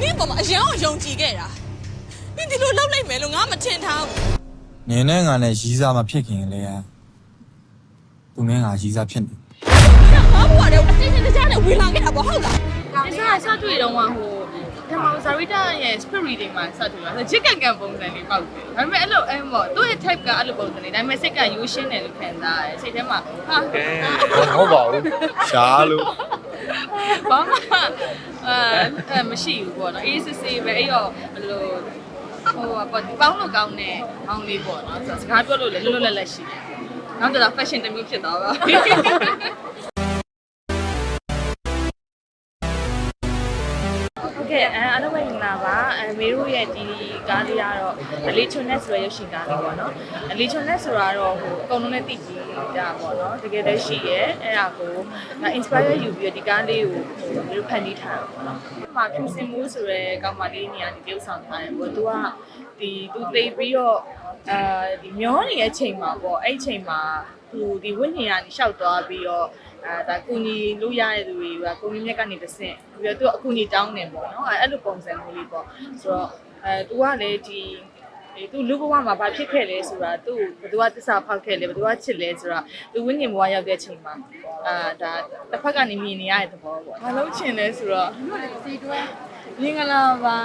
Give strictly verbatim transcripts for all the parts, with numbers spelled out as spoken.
你爸妈想要用几个啦？你这路老来没路，俺们天堂。 你那俺的西沙嘛骗人的呀，不免俺西沙骗的。 我不话的，我今天在家里为啥给他不好了？ 你啥啥对人话吼，他妈啥位的也 speed reading 嘛，啥对嘛，这干干ပုံစံလေးပေါက်တယ်။ဒါပေမဲ့အဲ့လိုအဲ့မောသူ့ရဲ့ type ကအဲ့လိုပုံစံလေးဒါပေမဲ့စိတ်ကရိုးရှင်းတယ်လို့ခံစားရတယ်။စိတ်ထဲမှာဟာဟုတ်ပါဘူးရှားလို့ဘာမှအဲမရှိဘူးပေါ့နော်။အေးစစ်စစ်ပဲအဲ့ရောဘယ်လိုဟိုပေါ့ပေါင်းလို့ကောင်းတဲ့အောင်းလေးပေါ့နော်။စကားပြောလို့လည်းလွတ်လွတ်လပ်လပ်ရှိတယ်။နောက်တော့ fashion တစ်မျိုးဖြစ်သွားပါဘူး။ ကဲအဲအားလုံးပဲမင်္ဂလာပါအဲမေတို့ရဲ့ဒီကားလေးကတော့အလီချွန်နက်ဆိုတဲ့ရုပ်ရှင်ကားလေးပေါ့နော်အလီချွန်နက်ဆိုတာတော့ဟိုအကုန်လုံးနဲ့တည်ကြည်တာပေါ့နော်တကယ်တည်းရှိရဲအဲ့ဒါကို inspire ယူပြီးဒီကားလေးကိုမေတို့ဖန်တီးထားတာပေါ့နော်ဒီမှာဖြူစင်မိုးဆိုတဲ့ကောင်မလေးနေရာဒီပြုတ်ဆောင်ထားတယ်ပေါ့သူကဒီသူသိပြီးတော့အဲဒီမျောနေတဲ့အချိန်မှာပေါ့အဲ့အချိန်မှာသူဒီဝိညာဉ်ကနေရှောက်သွားပြီးတော့အဲဒါကုညီလို့ရတဲ့သူတွေကကုညီမြက်ကနေတဆင့်ပြီးတော့သူအကူညီတောင်းနေပေါ့နော်အဲအဲ့လိုပုံစံမျိုးလေးပေါ့ဆိုတော့အဲသူကလည်းဒီသူလူဘဝမှာဘာဖြစ်ခဲ့လဲဆိုတာသူ့ဘယ်သူကတစ္ဆာဖောက်ခဲ့လဲဘယ်သူကချစ်လဲဆိုတာသူဝိညာဉ်ဘဝရောက်တဲ့အချိန်မှာအာဒါတစ်ဖက်ကနေမြင်နေရတဲ့သဘောပေါ့မလုံးချင်လဲဆိုတော့စီတွဲမင်္ဂလာပါ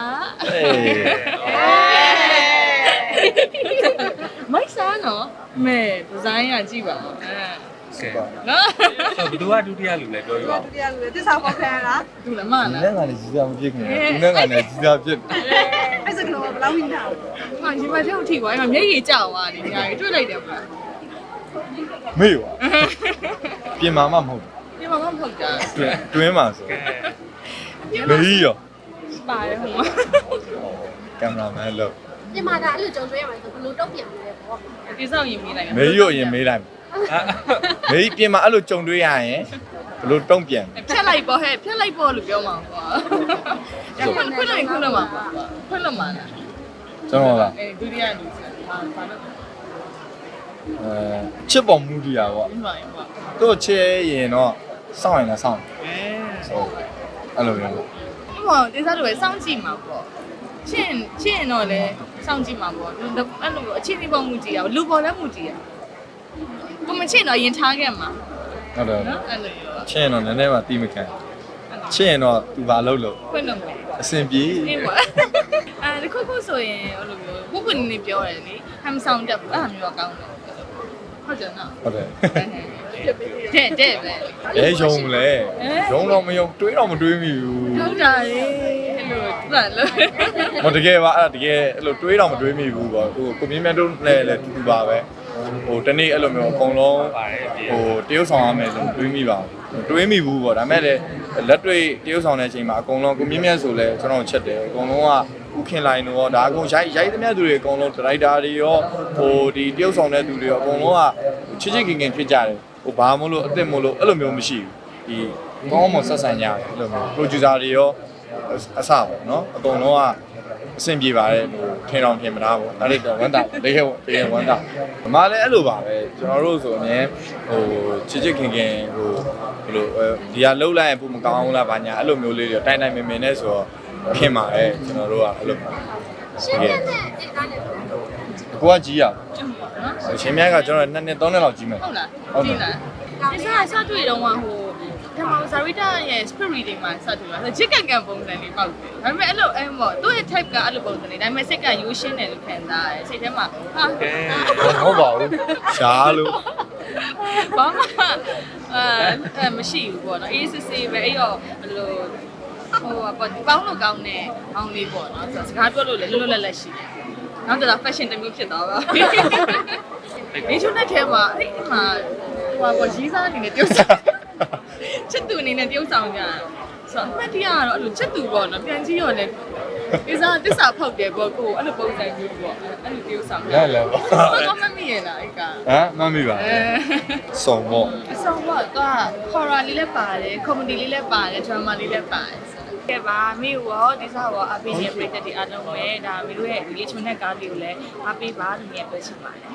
မိုက်စားနော်မဲဒီဇိုင်းကကြည့်ပါဦးအဲကဲနော်ဘယ်သူကဒုတိယလူလဲပြောပြပါဦးဒုတိယလူလေတစ္ဆာဖောက်ခံရတာသူလည်းမလား你那俺的西沙不骗人，你那俺的西沙骗。 အဲ့စကလုံးကဘယ်လောက်ဝင်တာဟာဒီမှာထဲကိုထိသွားရင်မျက်ရည်ကျသွားတယ်ညာကြီးတွေ့လိုက်တယ်ဗျာ没有啊，变妈妈没有， ဒီမှာမဟုတ်တာ对对嘛是，没有， ပါတယ်ဟိုမှာ干嘛没了， ဒီမှာဒါအဲ့လိုကြုံတွေ့ရမှာဆိုဘယ်လိုတုံ့ပြန်မလဲပေါ့ဒီစောက်ရင်မိလိုက်没有也没来，没变嘛，俺都中对呀耶，不都东边， ဖြတ်လိုက်ပေါ့ဟဲ့ဖြတ်လိုက်ပေါ့လို့ပြောမှာကွာခွန်းခွန်းလိုက်ခွန်းလို့မှာခွန်းလို့မှာလား真的啦， အဲဒုတိယလူစဘာဘာလို့呃，吃饱目的啊我， ဒီမှာရင်ပေါ့都吃盐喏，上来了上， အဲ哦，俺老样， ဒီမှာဒီစားလို့ပဲစောင့်ကြည့်မှာပေါ့ချင်းချင်းတော့လေစောင့်ကြည့်မှာပေါ့အဲ့လိုအချင်းချင်းပေါ့မူကြည့်ရလူပေါ်လည်းမူကြည့်ရကိုမချင်းတော့ရင်ထားခဲ့မှာ好的， နော်အဲ့လိုရော吃盐喏，奶奶嘛地没看，吃盐喏，都把漏漏， ခွန်းလို့မှာ身边， အေးပါအဲဒီခုခုဆိုရင်အဲ့လိုမျိုးကိုကိုနေနေပြောရတယ်လေဟမ်ဆောင်တက်ဘူးအဲ့ဟာမျိုးတော့ကောင်းတယ်ဟုတ်တယ်နော်好的。 တဲ့တဲ့ပဲအဲယုံလေယုံတော့မယုံတွေးတော့မတွေးမိဘူးဟုတ်တာလေအဲ့လိုသူကလို့မတကယ်ပါအဲ့ဒါတကယ်အဲ့လိုတွေးတော့မတွေးမိဘူးပေါ့ဟိုကိုမြင့်မြတ်တို့လည်းလည်းတူတူပါပဲဟိုတနေ့အဲ့လိုမျိုးအကုန်လုံးဟိုတရုပ်ဆောင်ရမယ်ဆိုတွေးမိပါဘူးတွေးမိဘူးပေါ့ဒါမဲ့လည်းလက်တွေ့တရုပ်ဆောင်တဲ့အချိန်မှာအကုန်လုံးကိုမြင့်မြတ်ဆိုလဲကျွန်တော်ချက်တယ်အကုန်လုံးကဥခင်လိုက်တော့ဒါအကုန်ရိုက်ရိုက်သမျှသူတွေအကုန်လုံးဒရိုက်တာတွေရောဟိုဒီတရုပ်ဆောင်တဲ့သူတွေရောအကုန်လုံးကချစ်ချစ်ခင်ခင်ဖြစ်ကြတယ်ဟိုဘာမို့လို့အစ်စ်မို့လို့အဲ့လိုမျိုးမရှိဘူးဒီကောင်းမွန်ဆက်ဆံကြတယ်အဲ့လိုမျိုး producer တွေရောအဆပေါ့နော်အကုန်လုံးကအဆင်ပြေပါတယ်ဟိုထင်အောင်ထင်မသားပေါ့အဲ့ဒီတော့ဝမ်းတာတကယ်တကယ်ဝမ်းတာအမလည်းအဲ့လိုပါပဲကျွန်တော်တို့ဆိုအမြဲဟိုချစ်ချစ်ခင်ခင်ဟိုဘယ်လိုဒီကလှုပ်လိုက်ရင်ပုံမကောင်းလားဘာညာအဲ့လိုမျိုးလေးတွေတိုင်တိုင်မင်မင်နဲ့ဆိုတော့ခင်ပါတယ်ကျွန်တော်တို့ကအဲ့လိုပါရှင်းပြတဲ့ဒီကားနဲ့ကိုကကြီးရရှင်မြတ်ကကျွန်တော်နှစ်နှစ်သုံးနှစ်လောက်ကြီးမယ်ဟုတ်လားကြည့်လားဒီစားစတွေ့တော့ဟိုဓမ္မဇာဝိတရဲ့ spirit reading မှာစတွေ့တာချစ်ကန်ကန်ပုံစံလေးပေါက်တယ်ဒါပေမဲ့အဲ့လိုအဲ့မောသူ့ရဲ့ type ကအဲ့လိုပုံစံလေးဒါပေမဲ့စိတ်ကရိုးရှင်းတယ်လို့ခံစားရတယ်စိတ်ထဲမှာဟာဟုတ်ပါဘူးရှားလို့ဘာမှအဲမရှိဘူးပေါ့နော်အေးစစ်စစ်ပဲအဲ့ရောဘယ်လိုဟိုပေါ့ပေါင်းလို့ကောင်းတဲ့အောင်းလေးပေါ့နော်ဆိုတော့စကားပြောလို့လည်းလွတ်လွတ်လပ်လပ်ရှိတယ်နောက်တော့ fashion တစ်မျိုးဖြစ်သွားပါဒီချုံတဲ့ထဲမှာအဲ့ဒီမှာဟိုပေါ့ရီးစားအနေနဲ့ပြုတ်ဆောင်ချစ်သူအနေနဲ့ပြုတ်ဆောင်ကြတယ်ဆိုတော့အမှတ်တရကတော့အဲ့လိုချစ်သူပေါ့နော်ပြန်ကြည့်ရောလည်းဒီစားတစ္ဆာဖောက်တယ်ပေါ့ကိုအဲ့လိုပုံစံမျိုးပေါ့အဲ့လိုပြုတ်ဆောင်ကြလဲလဲပေါ့ဘာမှမမြင်လားအဲ့ကဟမ်မမိပါဘူးစုံပေါ့အဆောင်ပေါ့သူက horror လေးလည်းပါတယ် comedy လေးလည်းပါတယ် drama လေးလည်းပါတယ်ကဲပါမိရောဒီစားရောအပိနဲ့ပြည့်တဲ့ဒီအားလုံးပဲဒါမိတို့ရဲ့ relation နဲ့ကားလေးကိုလည်းအားပေးပါလို့မြင်ပြောချင်ပါတယ်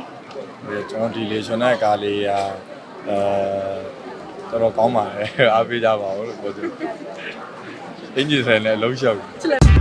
ကျွန်တော်ဒီလေရှင်တဲ့ကားလေးကအဲတော်တော်ကောင်းပါတယ်အားပေးကြပါဦးလို့ပြောချင်အင်ဂျင်ဆိုင်နဲ့အလုံးလျှောက်